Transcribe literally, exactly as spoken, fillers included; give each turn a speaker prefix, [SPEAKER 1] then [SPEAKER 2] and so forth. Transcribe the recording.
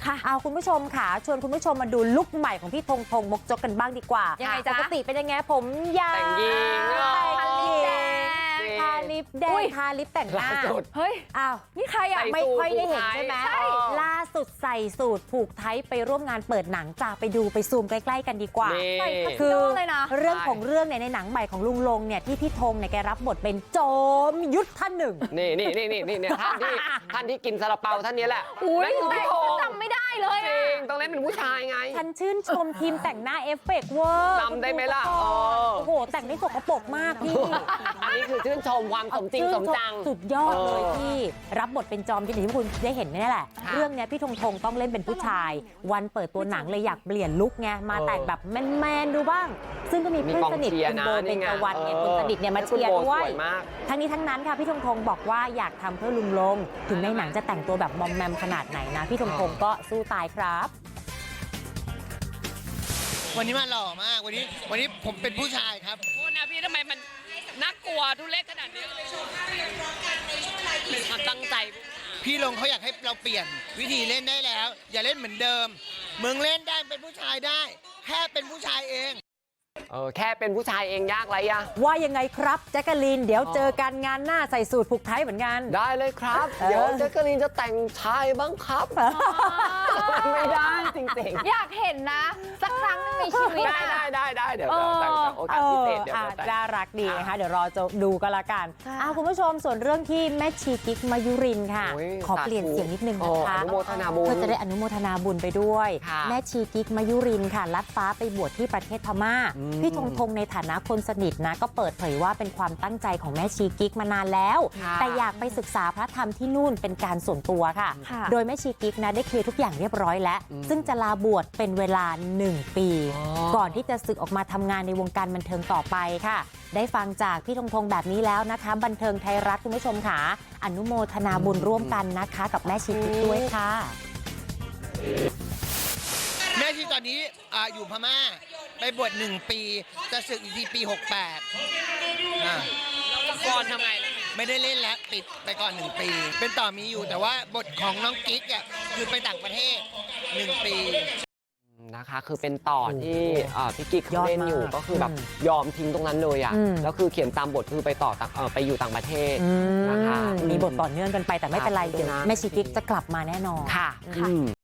[SPEAKER 1] ค่ะเอาคุณผู้ชมค่ะชวนคุณผู้ชมมาดูลุคใหม่ของพี่ธงธงมกจกกันบ้างดีกว่ายังไงจ๊ะปกติเป็นยังไงผมยาว
[SPEAKER 2] แต่งหญิง
[SPEAKER 1] ทาลิปแดงทาลิปแต่งหน้าเฮ้ยอ้าวนี่ใครอ่ะไม่ค่อยได้เห็นใช่ไหมล่าสุดใส่สูตรผูกไทยไปร่วมงานเปิดหนังจ้าไปดูไปซูมใกล้ๆกันดีกว่าคือเรื่องของเรื่องเนี่ยในหนังใหม่ของลุงลงเนี่ยที่พี่ธงเนี่ยแกรับบทเป็นโจมยุทธท่านหนึ่ง
[SPEAKER 2] นี่นี่นี่นี่นี่ท่านที่ท่านที่กินซาลาเปาท่านนี้แหละ
[SPEAKER 1] อุ้ยแต่
[SPEAKER 3] จำไม่ได้เลยจ
[SPEAKER 2] ริงต้องเล่นเป็นผู้ชายไง
[SPEAKER 1] ฉันชื่นชมทีมแต่งหน้าเอฟเฟกต์เวอร์
[SPEAKER 2] จำได้ไหมล่ะ
[SPEAKER 1] โอ้โหแต่งได้สกปรกมากพี่
[SPEAKER 2] อันนี้คือชื่นชมความสมจริงสมจัง
[SPEAKER 1] สุดยอดเลยพี่รับบทเป็นจอมยุทธที่คุณได้เห็นนี่แหละเรื่องนี้พี่ธงธงต้องเล่นเป็นผู้ชายวันเปิดตัวหนังเลยอยากเปลี่ยนลุคไงมาแต่งแบบแมนๆดูบ้างซึ่งก็มีเพื่อนสนิทคุณโบเป็นตะวันเนี่ยคนสนิทเนี่ยมาเชียร์ด้วยทั้งนี้ทั้งนั้นค่ะพี่ธงธงบอกว่าอยากทำเพื่อลุงลงถึงในหนังจะแต่งตัวแบบมอมแมมขนาดไหนนะพี่ธงธงก็สู้ตายครับ
[SPEAKER 4] วันนี้มาหล่อมากวันนี้วันนี้ผมเป็นผู้ชายครับ
[SPEAKER 3] โทษนะพี่ทำไมมันน่ากลัวทุเรศขนาดนี้เป็นความตั้งใจ
[SPEAKER 4] พี่ลงเขาอยากให้เราเปลี่ยนวิธีเล่นได้แล้วอย่าเล่นเหมือนเดิมมึงเล่นได้เป็นผู้ชายได้แค่เป็นผู้ชายเอง
[SPEAKER 2] เออแค่เป็นผู้ชายเองยากไรอะ
[SPEAKER 1] ว่ายังไงครับแจ๊กกะลีนเดี๋ยวเจอกันงานหน้าใส่สูตรผูกไทยเหมือนกัน
[SPEAKER 2] ได้เลยครับเดี๋ยวแจ๊กกะลีนจะแต่งชายบ้างครับไม่ได้จริงๆ
[SPEAKER 3] อยากเห็นนะสักครั้งในชีวิต
[SPEAKER 2] ได้ได้ได้ได้เดี๋ยวแต่งโอกาสพิเศษเดี๋ยว
[SPEAKER 1] น่ารักดีนะคะเดี๋ยวรอจะดูกันละกันอ้าวคุณผู้ชมส่วนเรื่องที่แม่ชีกิ๊กมายุรินค่ะขอเปลี่ยนเสียงนิดนึงนะคะ
[SPEAKER 2] อนุโมทนาบุญ
[SPEAKER 1] เพื่อจะได้อนุโมทนาบุญไปด้วยแม่ชีกิ๊กมายุรินค่ะลัดฟ้าไปบวชที่ประเทศพม่าพี่ธงธงในฐานะคนสนิทนะก็เปิดเผยว่าเป็นความตั้งใจของแม่ชีกิ๊กมานานแล้วแต่อยากไปศึกษาพระธรรมที่นู่นเป็นการส่วนตัวค่ะโดยแม่ชีกิ๊กนะได้เคลียร์ทุกอย่างเรียบร้อยแล้วซึ่งจะลาบวชเป็นเวลาหนึ่งปีก่อนที่จะศึกออกมาทำงานในวงการบันเทิงต่อไปค่ะได้ฟังจากพี่ธงธงแบบนี้แล้วนะคะบันเทิงไทยรัฐคุณผู้ชมค่ะอนุโมทนาบุญร่วมกันนะคะกับแม่ชีกิ๊กด้วยค่ะ
[SPEAKER 4] แม่ชีตอนนี้ออยู่พม่าไปบวชหนึ่งปีจะศึกอีกทีปีหกแปด
[SPEAKER 3] ก่อนทำไง
[SPEAKER 4] ไม่ได้เล่นแล้วปิดไปก่อนหนึ่งปีเป็นต่อมีอยู่แต่ว่าบทของน้องกิ๊กอ่ะคือไปต่างประเทศหนึ่งปี
[SPEAKER 2] นะคะคือเป็นต่อที่พี่กิ๊กเขาเล่นอยู่ก็คือแบบยอมทิ้งตรงนั้นเลยอ่ะแล้วคือเขียนตามบทคือไปต่อไปอยู่ต่างประเทศนะคะ
[SPEAKER 1] มีบทต่อเนื่องกันไปแต่ไม่เป็นไรเดี๋ยวแม่ชีกิ๊กจะกลับมาแน่นอน
[SPEAKER 2] ค่ะ